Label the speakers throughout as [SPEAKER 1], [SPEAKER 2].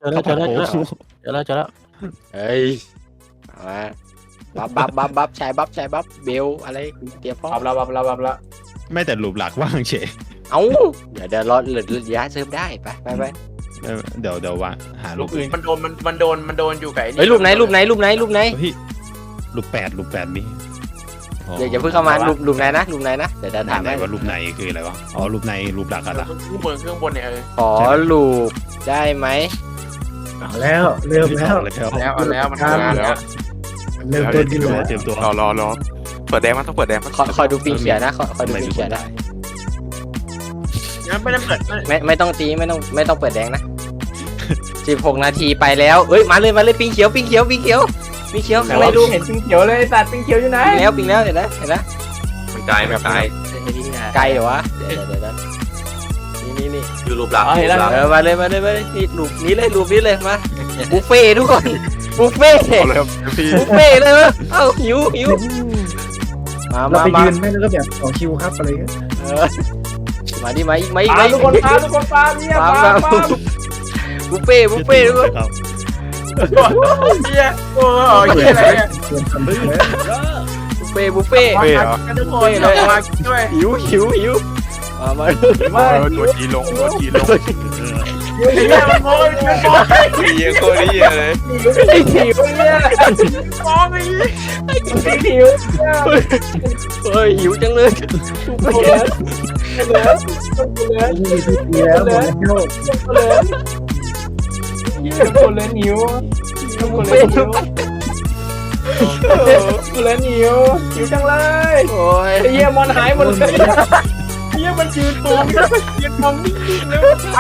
[SPEAKER 1] เจอแล้วเฮ้ยมาบัฟชายบัฟเบลอะไรเตรียมพร้อม
[SPEAKER 2] บับแล้ว
[SPEAKER 3] ไม่แต่รูปหลักว่างเฉย
[SPEAKER 1] เอ้าเดี๋ยวรอเหลือย้ายเซิร์ฟได้ไป
[SPEAKER 3] เดี๋ยววางหา
[SPEAKER 2] รู
[SPEAKER 3] รู
[SPEAKER 2] ป
[SPEAKER 3] ป
[SPEAKER 2] อื่
[SPEAKER 3] อื่
[SPEAKER 2] น
[SPEAKER 3] น
[SPEAKER 2] มันโดนอยู่ไก่
[SPEAKER 1] เฮ้ยรูปไหน
[SPEAKER 3] เฮ้ยรูปแปดมี
[SPEAKER 1] อย่าเพิ่งเข้ามารูปไหนนะเดี๋ยวจะถาม
[SPEAKER 3] ไหน
[SPEAKER 1] ให้
[SPEAKER 3] ว่ารูปในคืออะไรวะอ๋อรูปในรูปหลักอะล่ะ
[SPEAKER 2] เครื่องบนเนี่ย
[SPEAKER 1] ขอรูปได้ไหม
[SPEAKER 4] เอาแล้วเริ่มแล้ว
[SPEAKER 2] แล้วมันทำงานแล้ว
[SPEAKER 4] เริ่มต้นที่
[SPEAKER 3] เตรียมตัว
[SPEAKER 5] รอเปิดแดงมันต้องเปิดแดง
[SPEAKER 1] คอยดูปิงเขียนะคอยดูปิงเขียได้
[SPEAKER 2] งั้นไม่ได้เปิด
[SPEAKER 1] ไม่ต้องตีไม่ต้องเปิดแดงนะ16 นาทีไปแล้วเอ้ยมาเลยปิงเขียวข้างในรูป
[SPEAKER 2] เห็นปิงเขียวเลยสัตว์ปิงเขียวอยู่ไหน
[SPEAKER 1] ปิงแล้วเห็นไหม
[SPEAKER 5] มันไกล
[SPEAKER 1] ไกลเหรอวะเดี๋ยวนี่
[SPEAKER 5] คือรูปหลัก
[SPEAKER 1] มาเลยนี่รูปนี้เลยมาบุฟเฟ่ทุกคนบุฟเฟ่
[SPEAKER 5] เลยพี่
[SPEAKER 1] บุฟเฟ่เลยมั้ยเอ้าหิว
[SPEAKER 4] เราไป
[SPEAKER 1] มา
[SPEAKER 4] ยืนไม่แล้วก็แบบต่อคิวครับอะไรเงี้ย
[SPEAKER 1] มาดิมาอีก
[SPEAKER 2] ทุกคนปลาเนี่ยปลา
[SPEAKER 1] บุฟเฟ่ทุกคน
[SPEAKER 3] ครับ
[SPEAKER 2] เนี่ยโอ้ยอะไรเนี่ย
[SPEAKER 4] เตรียมทำเลย
[SPEAKER 1] บุฟเฟ่
[SPEAKER 2] กันทุกคนเลยมาช่วย
[SPEAKER 1] หิวมา
[SPEAKER 5] ตัวจีลง
[SPEAKER 2] เนี่ยมันโง่มันโง่
[SPEAKER 5] เยี่ยโคตรเยี่ยเลย
[SPEAKER 2] หิวเนี่ยมองไอ้หิว
[SPEAKER 1] เฮ้ยหิวจังเลย
[SPEAKER 4] นี่คือปีแล้วหมดแล้ว
[SPEAKER 2] คนเล่นหิวจังเลย
[SPEAKER 1] โอ้ย
[SPEAKER 2] ไอ้เหี้ยมันหายหมดเลยเหี้ยมันยืนตัวยืนมองนิ่งๆแล้วไป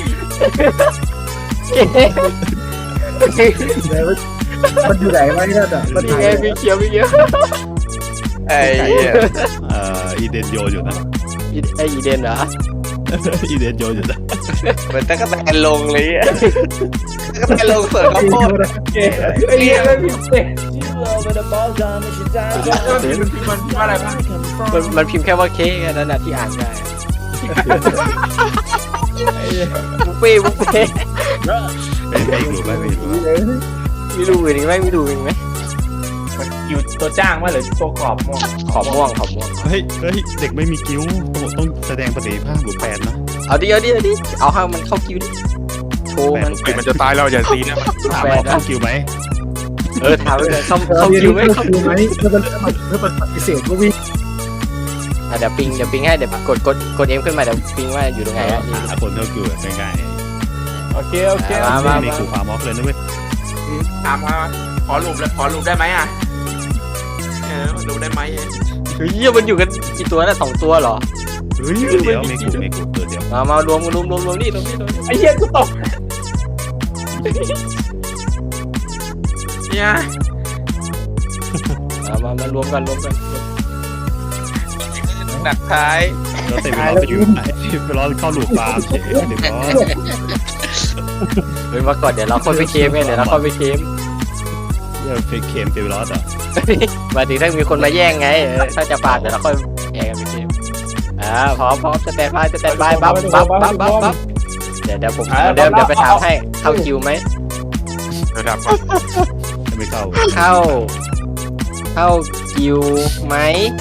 [SPEAKER 4] แล้วมันอยู่ไหนวะเนี่ยอ่ะมัน
[SPEAKER 1] นี่ไงมีเขียว
[SPEAKER 5] ไอ้
[SPEAKER 3] อีเดนโยอยู่นะ
[SPEAKER 1] ไออีเดนเหรอ
[SPEAKER 3] อีเดนโยอยู่นะ
[SPEAKER 5] เหมือนตะกั่วแตนลงเลยอ่ะตะกั่วแตนลงเสิร์ฟข้าวโพด
[SPEAKER 2] ไอ้เหี้ยมันพิมพ์มันอะไรบ้าง
[SPEAKER 1] มันพิมพ์แค่ว่าเค้กนั่นน่ะที่อ่านได้บุฟเฟ่
[SPEAKER 3] ไม่รู้ไม่รู้
[SPEAKER 1] มีรูอื่นอีกไหม
[SPEAKER 2] อยู่ตัวจ้างว่าหรือตัวกรอบม่วง
[SPEAKER 1] ขอม่วง
[SPEAKER 3] เฮ้ยเด็กไม่มีกิ้วต้องแสดงประสิทธิภาพรูปแปดนะ
[SPEAKER 1] เอาดิเอาให้มันเข้าคิวดิโชว์มัน
[SPEAKER 5] มันจะตายแล้วอย่าตีนะ
[SPEAKER 3] ถามว่าเข้ากิ้วไหม
[SPEAKER 1] ถามเลยเข้า
[SPEAKER 4] เรา
[SPEAKER 1] คิวไหม
[SPEAKER 4] เข้าคิวไหมเพื่อปฏิเสธก็วิ่ง
[SPEAKER 1] เดี๋ยวปิงให้เดี๋ยวกดเอ็มขึ้นมาเดี๋ยวปิงว่าอยู่ตรงไหนอ่ะ
[SPEAKER 3] หาคนเข้ากิ้วง่าย
[SPEAKER 2] โอเค
[SPEAKER 3] ๆมีขู่ฟาร์มอฟเลยนะเว้ย
[SPEAKER 2] ถามมาขอรูปได้ไหมอ่ะรูปได้ไหม
[SPEAKER 1] เฮ้ยมันอยู่กันกี่ตัวนะ2 ตัวเหรอ
[SPEAKER 3] เฮ้ยเดี๋ยวไม่ขู่ตัวเดียว
[SPEAKER 1] มารวมนี่
[SPEAKER 2] ไอ้เหี้ยกูตกเนี่ย
[SPEAKER 1] มารวมกัน
[SPEAKER 5] หนักท้าย
[SPEAKER 3] แล้วเต็มไปรอไปอยู่ไหนไปรอเข้าหลูกฟาร์มเฉยเดี๋ยวก็
[SPEAKER 1] เฮ้ยมาก่อนเดี๋ยวเราค่อยไปเคมเดี๋ยวเราค่อยไปเคม
[SPEAKER 3] เฟกเคมเฟรอสอ่ะ
[SPEAKER 1] มาถึงถ้ามีคนมาแย่งไงถ้าจะปาดเดี๋ยวเราค่อยแย่งกันไปเคมพร้อมสแตนบายบัฟเดี๋ยวผมเดี๋ยวไปถามให้เข้าคิวไหม
[SPEAKER 5] ระดับ
[SPEAKER 3] ไม่เข้า
[SPEAKER 1] เข้าคิวไหม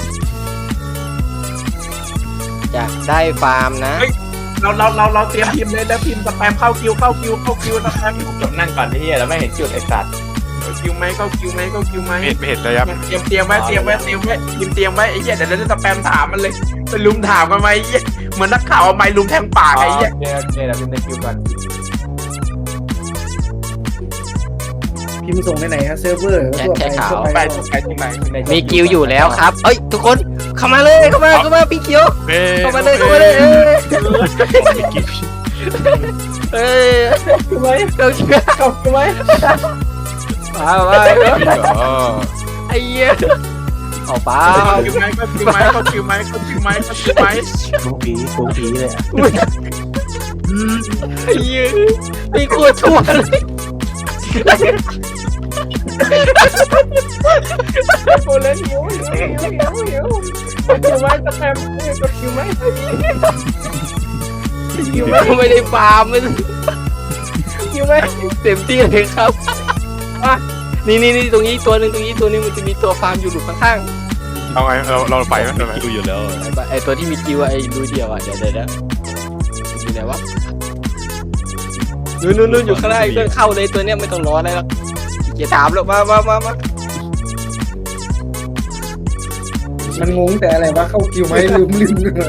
[SPEAKER 1] จะได้ฟาร์มนะ
[SPEAKER 2] เราเตรียมพิมพ์เลยแล้วพิมพ์สแปมเข้าคิวสแปมจบนั่งก่อนที่เหี้ยแล้วไม่เห็นจุดไอ้สัตว์คิวไหมไม่
[SPEAKER 5] เห็นระยะ
[SPEAKER 2] เตรียมไว้พิมพ์เตรียมไว้ไอ้เหี้ยเดี๋ยวเราจะสแปมถามมันเลยไปลุมถามกันไหมไอ้เหี้ยเหมือนนักข่าวเอาไม้ลุมแทงปากไอ้เหี้ยเดี๋ยวพิมพ์ในคิวก่อน
[SPEAKER 4] พิมพ์ส่งไปไหนฮะเซิร์ฟเวอร์ทั่วไป
[SPEAKER 2] ไปตรงไหน
[SPEAKER 1] มีคิวอยู่แล้วครับเอ้ยทุกคนเข้ามาเลยเข้ามาพี่เขียวเข้ามาเลยเอ้ย
[SPEAKER 2] คิวไหม
[SPEAKER 1] เข้าคิว
[SPEAKER 2] คิวไหม
[SPEAKER 1] ไปไอ้เหี้ยเอาไป
[SPEAKER 2] คิวไหม
[SPEAKER 4] กูผีเลย
[SPEAKER 1] ไอ้เหี้ยมีขวดชั่วเลย
[SPEAKER 2] กูเล่นหิวคิวไหมสแปมคิวไหม
[SPEAKER 1] ไม่ได้ฟาร์มมัน
[SPEAKER 2] คิคิวไหม
[SPEAKER 1] เต็มที่เลยครับนี่ตรงนี้ตัวหนึงมันจะมีตัวฟาร์มอยู่หลุมข้าง
[SPEAKER 6] เอาไงเราไปไหม
[SPEAKER 3] มีคิวอยู่แล้ว
[SPEAKER 1] ๆไอตัวที่มีกิวไอ้รูเดียวเดี๋ยวอยู่ไหนวะนู่นอยู่ข้างหน้าเพื่อนเข้าเลยตัวเนี้ยไม่ต้องรออะไรหรอกเกียร์ถามแล้วมา
[SPEAKER 4] มันงงแต่อะไรวะเข้าคิวไหมลืม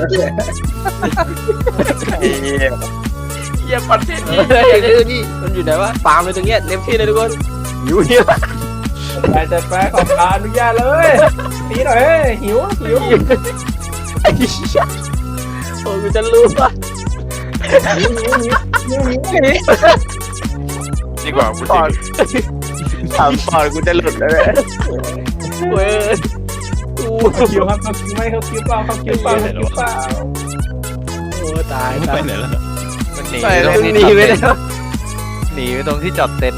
[SPEAKER 2] เยี่ยมคอนเทนต์
[SPEAKER 1] นี่มันอยู่ไหนวะฟาร์มเลยตรงเนี้ยเต็มที่เลยทุกคนอยู่เนี่ย
[SPEAKER 2] แต่แฟขออนุญาตเลยตีหน่อยหิว
[SPEAKER 1] ไอ้เหี้ยโอ้ยกูจะรู้ป่ะ
[SPEAKER 6] ดีกว่ากูจริง
[SPEAKER 5] ถามก่อนกูจะหลุดแล้วเลย
[SPEAKER 1] เว้ยกู
[SPEAKER 2] คิวครับเขาคิวไหมเขาคิวเปล่า
[SPEAKER 1] โอ้ตาย
[SPEAKER 3] ไปไหนแล้ว
[SPEAKER 5] มันหนี
[SPEAKER 1] หนีไปแล้ว
[SPEAKER 5] หนีไปตรงที่จอดเต็นท์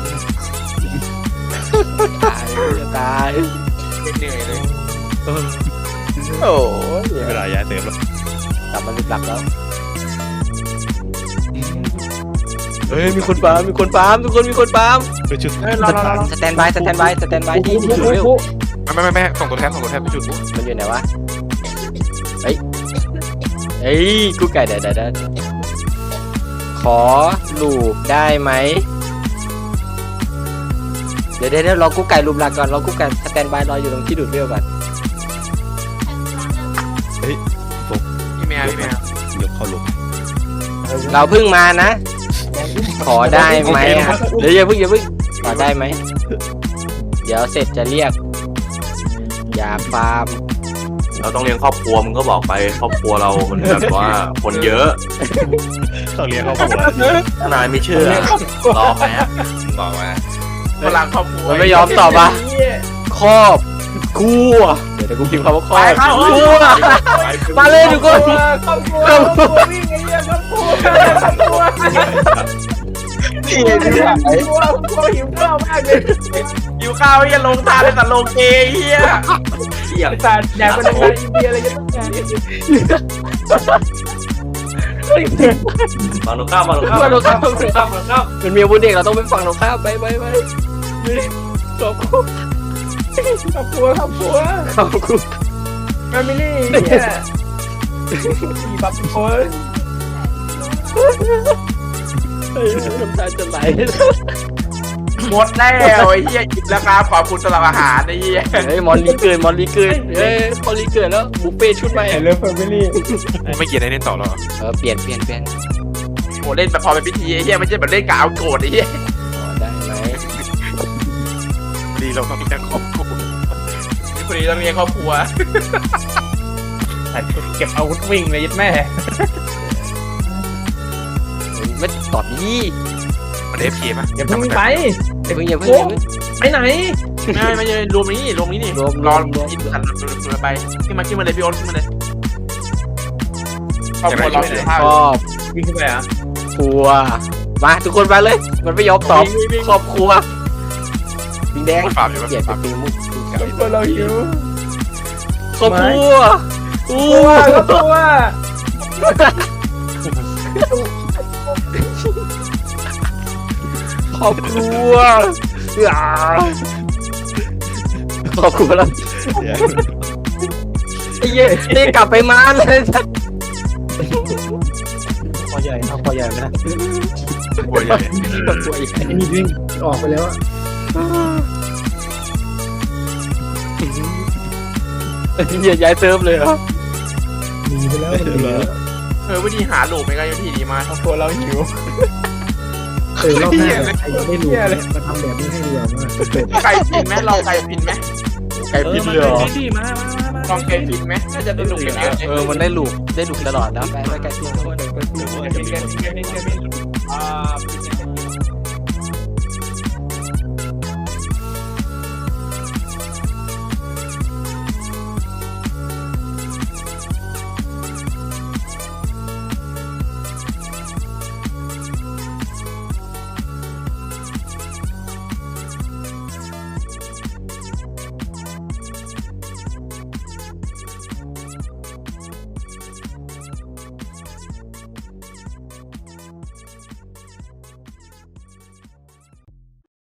[SPEAKER 1] ตาย
[SPEAKER 2] เหนื่อยเลย
[SPEAKER 5] โอ้ย
[SPEAKER 3] เวลาย้ายเติมแล้ว
[SPEAKER 1] กลับมาเป็นหลักแล้วเฮ้ยมีคนฟาร์มทุกคนมีคนฟาร์ม
[SPEAKER 3] ไปชุด
[SPEAKER 1] สแตนบายที่จุดเร็ว
[SPEAKER 6] ไม่ส่งตัวแทนไปจุดปุ๊บ
[SPEAKER 1] มันอยู่ไหนวะเฮ้ยกูไก่เดี๋ยวขอลูบได้ไหมเดี๋ยวรอกูไก่ลูบหลักก่อนรอกูไก่สแตนบายรออยู่ตรงที่ดูดเร็วก่อน
[SPEAKER 2] พี่แมวย
[SPEAKER 3] กเข้าลง
[SPEAKER 1] เราเพิ่งมานะ ขอได้ไหมเดี๋ยวอย่าเพิ่งขอได้ไหมเดี๋ยวเสร็จจะเรียกอยากฟาร์ม
[SPEAKER 7] เราต้องเลี้ยงครอบครัวมึงก็บอกไปครอบครัวเรามันแบบว่าคนเยอะ
[SPEAKER 3] ต้องเรียนเข้าหัว
[SPEAKER 7] ถ้านายไม่เชื่อรอแป๊บบอกมา
[SPEAKER 2] พลังครอบครัว
[SPEAKER 1] มันไม่ยอมตอบอ่ะครอบครัวเดี๋ยวกูพิมพ์คำว่าครอบครัวมาเลยทุกคน
[SPEAKER 2] ครอบครัววิ่งไอ้เหี้ยครอบครัวหิวข้าวมากเลยหิวข้าวเหี้ยลงทานเลยแต่ลงเกย์เหี้ยสารอยากเป็นอะไรอินเดียอะไรก็ต้องการ
[SPEAKER 7] ฟังลูกข้าวฟังลูกข้าว
[SPEAKER 1] ฟังตรงข้ามเป็นเมียบุญเด็กเราต้องไปฟังตรงข้ามไปครอบครัว
[SPEAKER 2] ครอบครัว แฟมิลี่เนี่ยสี่บับคน
[SPEAKER 1] น้ำตาจะไหล
[SPEAKER 2] หมดแล้วไอ้เหี้ยอิ่มแล้วครับขอบคุณสำหรับอาหารไอ้เหี้ย
[SPEAKER 1] เฮ้ยมอนลีเกินเฮ้ยมอนลีเกินแล้วบุฟเฟ่ชุดใหม่
[SPEAKER 2] เริ่มแฟมิลี่
[SPEAKER 6] ไม่เกียร์ได้เล่นต่อหรอ
[SPEAKER 1] เปลี่ยน
[SPEAKER 2] โหเล่นแบบพอเป็นพิธีไอ้เหี้ยไม่ใช่แบบเล่นกาวโกรธไอ้เหี้ย
[SPEAKER 1] ได้ไหม
[SPEAKER 6] ดีเราต้องเลี้ยงครอบครัว
[SPEAKER 2] คนนี้ต้องเลี้ยงครอบครัวเก็บอาวุธวิ่งเลยยัดแม่
[SPEAKER 1] ไม่ตอบดี
[SPEAKER 6] มันได้พีป่ะ
[SPEAKER 2] อย่าเพิ่งไป
[SPEAKER 1] อย่าเพิ่ง
[SPEAKER 2] ไปไหนไม่ใช่รวมนี้นี่รอกินขันไปขึ้นมาเลยพี่โอ๊ตขึ้นมาเลยครอบครัวเราเสียภาพ
[SPEAKER 1] ครอบ
[SPEAKER 2] วิ่งขึ้นไปอ่ะ
[SPEAKER 1] ครัวมาทุกคนมาเลยมันไม่ยอมตอบครอบครัวปิงแดง
[SPEAKER 6] ฟาร์มอยู่
[SPEAKER 1] เกลียดปิงมุก
[SPEAKER 2] ครอบครัวเราหิว
[SPEAKER 1] ครอบครัวครอบครัวครอบครัวแล้วไอ้เหี้ยนี่กลับไปมาเลย
[SPEAKER 4] คอใหญ่เอาคอใหญ่ไหมนะ
[SPEAKER 6] หัวใหญ่
[SPEAKER 4] นี่วิ่งออกไปแล้วอะ
[SPEAKER 1] อย่าย้ายเซิร์ฟเลยเหรอ
[SPEAKER 4] หนีไปแล้วมันหนีแล้ว
[SPEAKER 2] วิธีหาหลูกไม่ก็วิธีดีมากครอบครัวเราหิว
[SPEAKER 4] รอบหน้าใครยังไม่รู้มาทำแบบนี้ให้ดีกว่าว่า
[SPEAKER 2] ไก่ผินไหมลองไก่ผินไหม
[SPEAKER 1] ไก่พิษเลยเหรอ
[SPEAKER 2] ลองไก่ผินไหมน่าจะได้หลูกเยอะ
[SPEAKER 1] มันได้ลูกตลอดแล้วไปไก่พิษทุกคน
[SPEAKER 2] อ่า